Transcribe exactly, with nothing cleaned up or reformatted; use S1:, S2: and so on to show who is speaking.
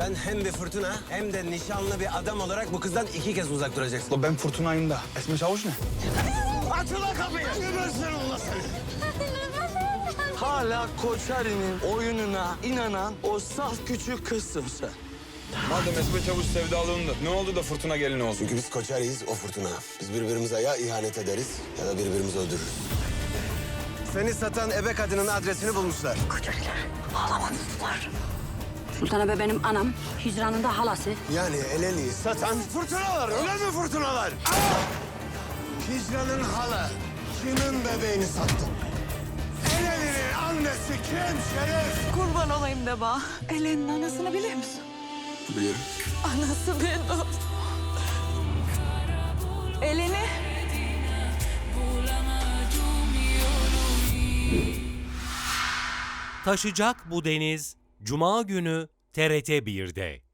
S1: Sen hem bir fırtına hem de nişanlı bir adam olarak bu kızdan iki kez uzak duracaksın.
S2: La ben fırtınayım da. Esme Çavuş ne?
S1: Aç ulan kapıyı! Gebersin Allah seni!
S3: Hala Koçari'nin oyununa inanan o saf küçük kızsın sen.
S2: Madem Esme Çavuş sevdalığında ne oldu da fırtına gelini olsun?
S1: Çünkü biz Koçari'yiz, o fırtına. Biz birbirimize ya ihanet ederiz ya da birbirimizi öldürürüz. Seni satan ebe kadının adresini bulmuşlar.
S4: Koçariler ağlamadılar. Sultan Ebe benim anam, Hicran'ın da halası.
S1: Yani Eleni'yi satan fırtınalar, öyle mi fırtınalar? Hicran'ın hala kimin bebeğini sattı? Eleni'nin annesi kim şeref?
S5: Kurban olayım Deba. Ellen'in anasını bilir misin?
S1: Biliyorum.
S5: Anası benim. Eleni.
S6: Taşacak bu deniz Cuma günü T R T bir'de.